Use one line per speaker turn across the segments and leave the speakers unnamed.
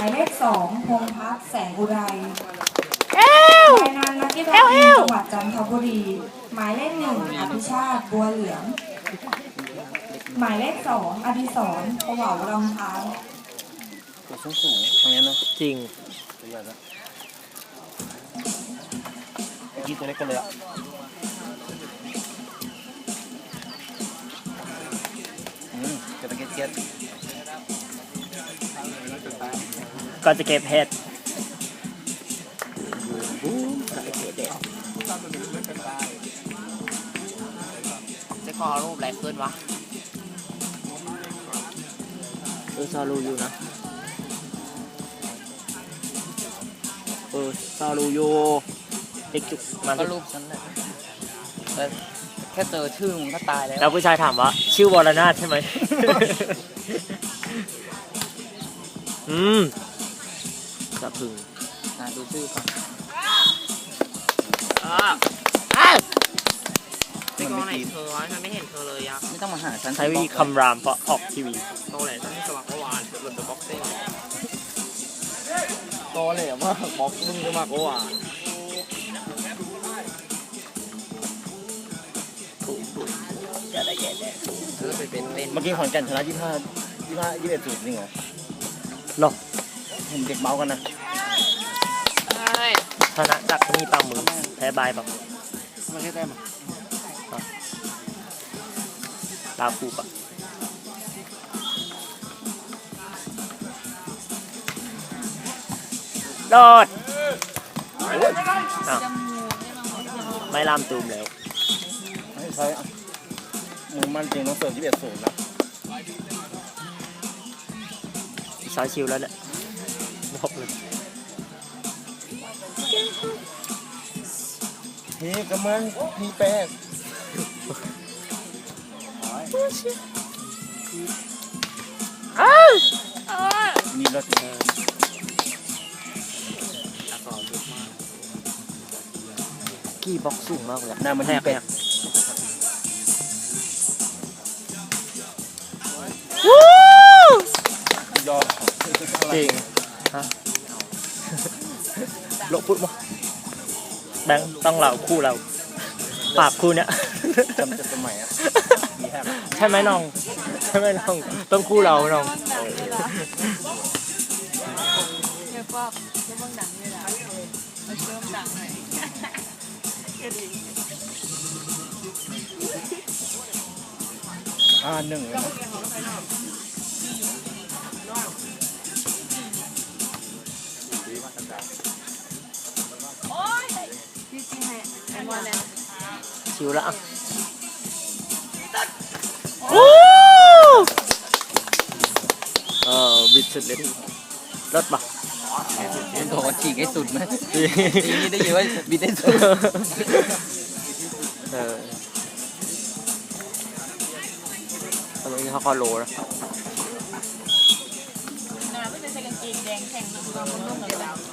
ายเลข2พงษ์พัฒน์แสงอุไรรายงานนักกีฬาทีมจังหวัดจันทบุรีหมายเลข1อภิชาติบัวเหลืองหมายเลข2อดิศรประเหว่ารองเท้า
ตัวสูงตรงนี้นะ
จริง
ตัวใหญ่แล้วยี่ตัวเล็กกันเลยอ่ะจะตะเกียบเกียบ
ก็จะเก็บเห็ด
จะขอรูปอะไรขึ้นวะ
ซาลูอยู่นะซาลูอยู่เด็กจุกมัน
ก็รูปฉันแหละแต่แค่เจอชื่อมึงก็ตายแล้ว
แล้วผู้ชายถามว่าชื่อวรนาถใช่ไหมสะพึง
ดูชื่อก่อนจะกองไหนเธอวะฉันไม่เห็นเธอเลยอะไม่ต้องมาหาฉัน
ใช้วิธีคำรามเพราะออกทีวี
โตแหละฉันสมัครเมื่อวานหลุดจากบ็อกซิ่งโตแหละมากบ็อกมึงสมัครเมื่อวาน
เมื่อกี้ขอนแก่นชนะ21 0จริงเหรอ
หรอ
เห็นเด็กเมากันนะ
ชนะจากนี่ปลาหมึกแพ้บายแบบ
ไม่ใช่แต้ม
ตาฟูปะโดดไม่ลามตูมแล้ว
ไม่ใช่มึงมันจริงต้องเสิร์ฟ21 0นะ
สายชิวแล้วเนี่ยบอกเลย
นี่กำมันมีแป้งนี่รถ
กี่บ็อกสูงมากเลย
หน้ามันแหกยอม
จริงฮะโลกพูดมั้งแบงต้องเราคู่เราปราบคู่เนี้ย
จำจะสมัยอ่ะ
ใช่ไหมน้องใช่ไหมน้องต้องคู่เราน้อง
1เลยนะ
ชิวละบิดสุดเลยรถปะ
เป็นตัวฉีกให้สุดไหมนี่ได้ยินว่าบิดได้สุด
ตอนนี้เขาคอโลแล้ว
ไม่ได้ใส่กางเกงแดงแข็งเราไม่ต้องเลยแล้ว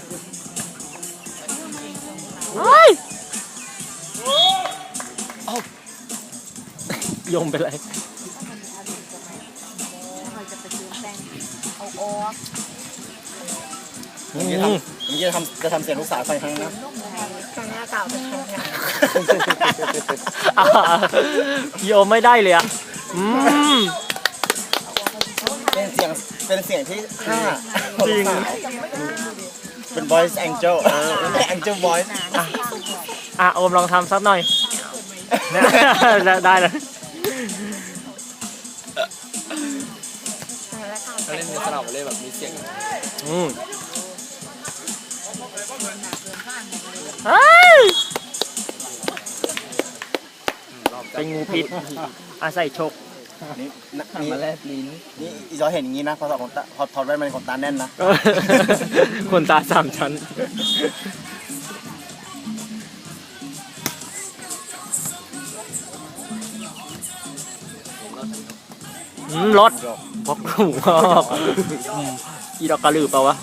โยมเป็นไร
เมื่อกี้จะทำเสียงลูกสาวไปครั้งนะ
ครั้งหน้าเก่าเป็นครั้งหน้า
โยมไม่ได้เลยอ่ะ
เป็นเสียงที่5จริงเป็น voice angel angel voice
โอมลองทำสักหน่อยได้เลย
เขาเล่นสลับเลยแบบมีเสียง
เป็นงูพิษอาศัยชก
นี่มาแลบลิ้นนี่อีจอเห็นอย่างนี้นะพอถอดแว่นมันขนตาแน่นนะ
ขนตา3 ชั้นรถพกหูอีดอกกระลือเปล่าวะ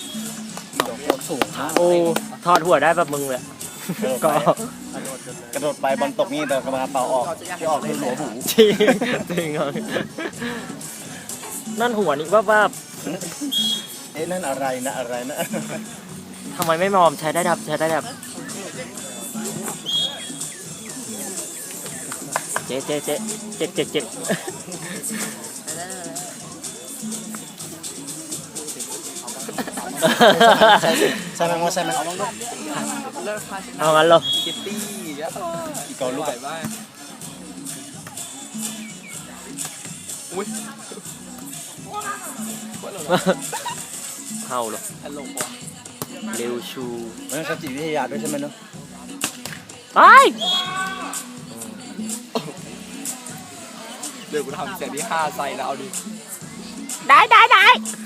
โอ้ทอดหัวได้แบบมึงเลยก็
กระโดดไปบอลตกนี่แต่กรรมการเป่าออกที่ออกคือหัวหู
จริงจริงนั่นหัวนี่ว่า
เอ๊ะนั่นอะไรนะอะไรนะ
ทำไมไม่มอมใช้ได้ดับใช้ได้ดับเจ๊เจ็ด
ใช่ไหมว่าใช่ไหม
เอางั้นเหรอ
คิตตี้แล้ว
อีกเอาลูก
ไหว
แบบ
บ้างอุ้ย
เห่าเหรอ
ตลกว่ะ
เร็วชู
มันต้องใช้จิตวิทยาด้วยใช่ไหมเนาะ
ไป
เดี๋ยวกูทำเสียงที่5ใส่แล้วเอาดิ
ได้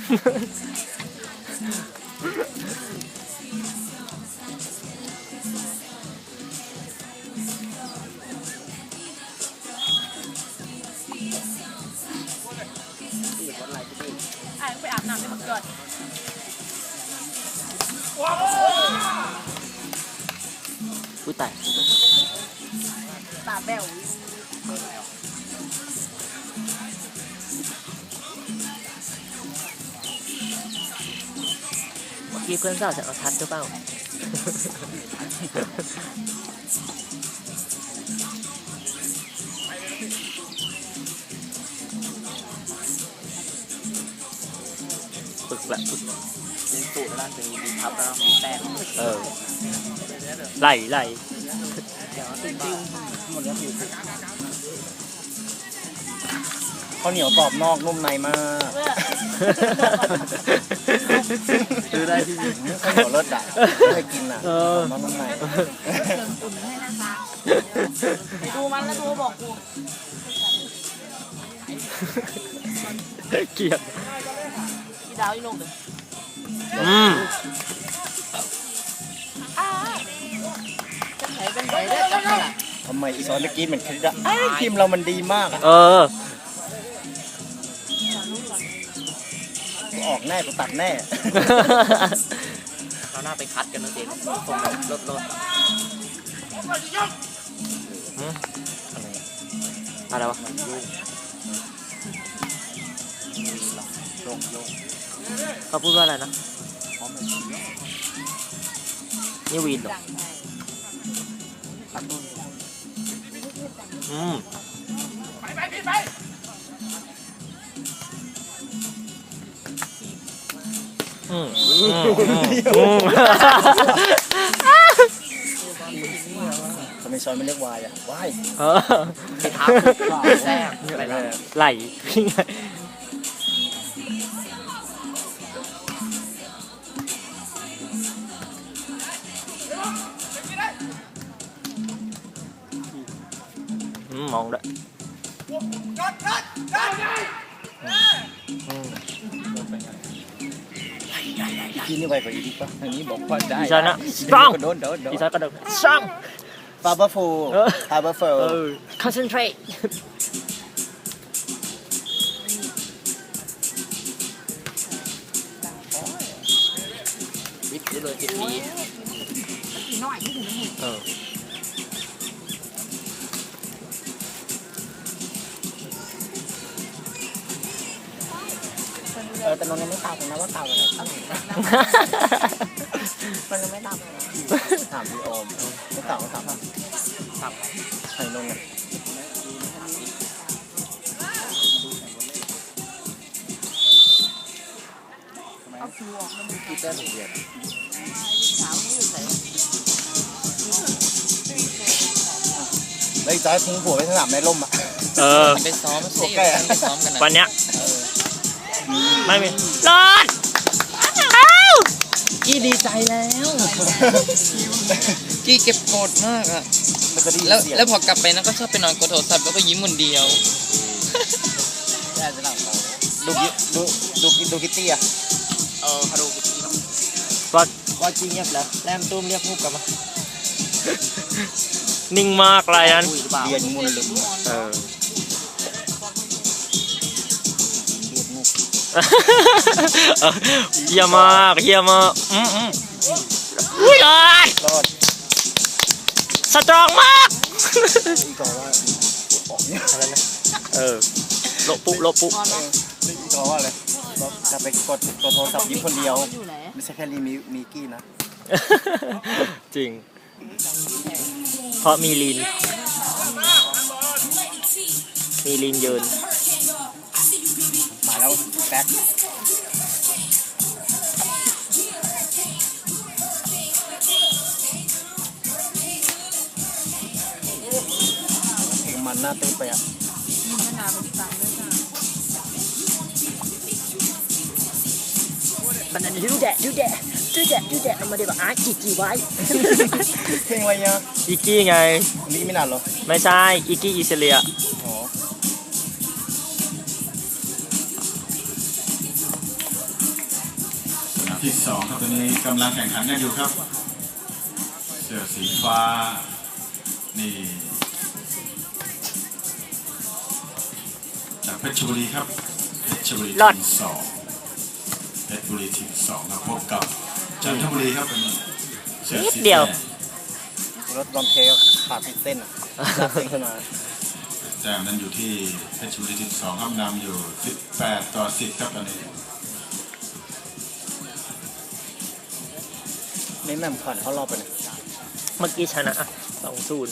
ไปอาบน้ำได้หมดก่อน
อุ้ยตาย
ตาแบ๊ว
เมื่อกี้เพื่อนสาวจะเอาทัดหรือเปล่าฝึกละฝึก
เป็นสูตรแล้วเป็นดีทับแล้วมีแต้ม
เออไหล
ข้าวเหนียวกรอบนอกนุ่มในมาก
ซื้อได้ที่นี่
ข้าวเหนียวเลิศอ่ะไม่เคยกินอ่ะ
เออ
กรอบนอกนุ่มใน
ดูมันแล้วดูบอกกู
เกลียด
อีดาวอีลงเด้อ จะไหนเป็นไปได้จังล่ะ
ทำไมอีซอนเมื่อกี้เหมือนคลิปอ่ะไอ้ทีมเรามันดีมากอ่ะ
เออ
กูออกแน่กูตัดแน่
เราหน้าไปคัดกันนะเจ๊ส่งแบบรถ
อะไรวะ
ลง
เขาพูดว่าอะไรนะนี่วีนเหรออืมอืม
ทำไมซอนไม่เรียกวายอ่ะวาย
เออ
ไปทับแซ่บอะไรนะ
ไหล มองด้วย
พี่นี่ไวกว่าอีดิป่ะ
อันนี้บอกว่าได้
อีสานนะ strong
โดน
อีสานกระโดด strong
ฟาเบอร์ฟูฟาเบอร์ฟู
concentrate
วิทย์เลย10 ปี
เออ
แต่นนท์ยังไม่ตอบเลยนะว่าตอบอะไรตั้งมันยังไม่ตอบเลยถามพี่โอมไม่ตอบก็ถาม
ครับ
ใครนนท์อ่ะ
พี่เต้นเดียด
แล้วอีกจอยทิ้งผัวไว้สนามในร่มอ่ะ
เออ
ไปซ้อม
โอเค
ไปซ้อมกันนะ
วันเนี้ยไม่มีรอด
กี้ดีใจแล้ว กี้เก็บกดมากอะ
มันจะดี
แล้ว
เสียง
แล้วพอกลับไปนะก็ชอบไปนอนกดโทรศัพท์แล้วก็ยิ้มคนเดียว
ดูคิตตี้อ่ะ
ฮัลโหล
ก็จริงเงียบแล้วแรมตุ้มเรียกพูกกลับมานิ่งมากไรนั้น
คุยหรือเปล่า
เรียนมุนลึม
เออ เฮียมากเฮียมากอุ้ยเลย
รอด
สตรองมาก
อีกก็ว่าออกเนี่ย
อะไรนะเออโลปุ
อีกก็ว่าอะไรจะไปกดตัวโทรศัพท์ยิงคนเดียว
อยู่ไหน
ไม่ใช่แค่มีกี้นะ
จริง เพราะมีลีนยืน
มาแล้วแบ็คเพลงมันน่าเต้นไปอ่ะ
มีมะนาวเป็นตังด้วยค่ะ
มันอันนี้ดูแดะเอามาเดี๋ยวอาร์จีไว้
เพลงอะไรเนี่ย
อีกี้ไง
นี่ไม่นานหรอ
ไม่ใช่อีกี้อีเซเลีย
อ๋อ
สนามที่2ครับตอนนี้กำลังแข่งขันกันอยู่ครับ เสื้อสีฟ้านี่จากเพชรบุรีครับเพชรบุรีทีม2เพชรบุรีทีม2ครับพบกับจันทบุรีครับตอนนี้เสื้อสีแดง
รถบอมเคก็ขาดติดเส้นอ่ะลากเส้นขึ้นมา
แต้มนั้นอยู่ที่เพชรบุรีทีม2ครับนำอยู่18-10ครับตอนนี้
ไม่แม่มผ่านเขารอบไปเลย
เมื่อกี้ชนะ2-0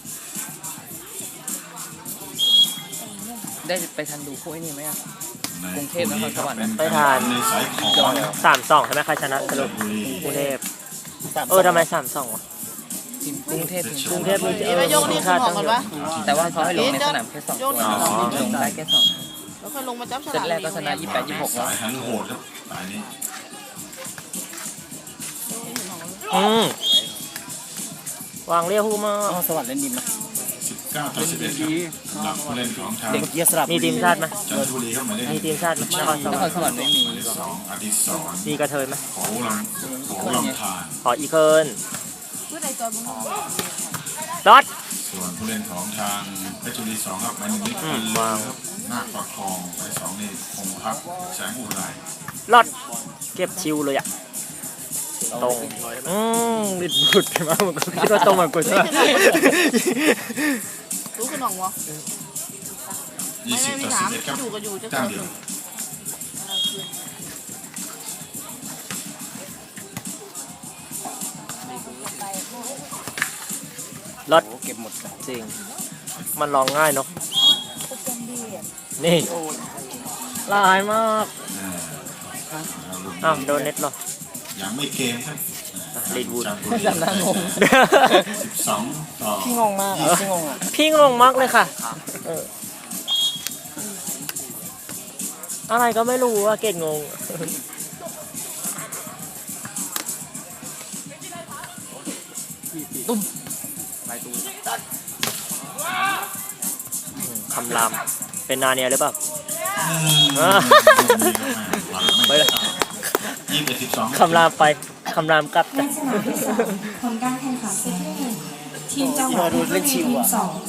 ได้ไปทันดูพวกไอ้นี่ไหมอ่ะ
ใน
กรุงเทพนครสวรรค์
เป็นการแข่งขันในสายของ
3-2 ใช่ไหมใครชนะสรุปกรุงเทพทำไม 3-2 วะ
ทีมกรุงเทพทีม
กรุงเทพมี
นี่ไปยกนี่ขึ้นหอก่อนปะ
แต่ว่าเขาให้ลงในสนามแค่2
โย
ตั
น
ว
นี่
ลงได้แค่2
แล้วค่อยลงมาจับฉ
เซต
ลาก
แรกก็ชนะ28-26
สายหันโหดครับสายนี้
วางเรียกฮูมา
อ๋อสวัสดิ์เล่นดิมนะ
19-11ครับสำหรับผู้เล่นของทาง
เด็กเกียร์สลับ
มีทีมชาติไหม
จันทบุรีครับหมายเลข
มีทีมชาติไหมนครส
น
ว
ค
ร
ร
รค์
สวรรค์ไม่มี
หมายเลข2อดิศร
มีกระเทยไหม
โขลำธาร
ขออีเคิร์น
เพื่อในจอยบุ้ง
รถ
ส่วนผู้เล่นของทางเพชรบุรี2ครับหมายเลข1
อืม
วางครับนาคประคองหมายเลข2นี่คงพักแสงอุไร
รถเก็บชิวเลยอ่ะ ตรงดิดบุดมาเหมือนกูคิดว่าตรงเหมือนกูใช่ไหม
รู้ขึ้นหองวะไม่มีถาม
20-11ครับ
อยู่ก็อยู่จะ
แต้
เกิ
ม
ด
เดียว
รถ
โอ้เก็บหมดเลย
จริง มันร้องง่ายเนาะนี่ลายมากอ้าวโดนเน็ตเหรอ
ยังไม่เกมครับ
ลีดวูด
จันทบุรี
จำหน้างง
12-10
พี่งงมากพี่งงอ่ะ
พี่งงมากเลยค่ะอะไรก็ไม่รู้อะเกดงง คำรามเป็นนาเนียหรือเปล่า ไปเลย
21-12
คำรามไปคำรามกลับ
ในสนามที่ 2 ผลการแข่งขันเซตที่ 1 ทีมจังหวัดเพชรบุรีทีม2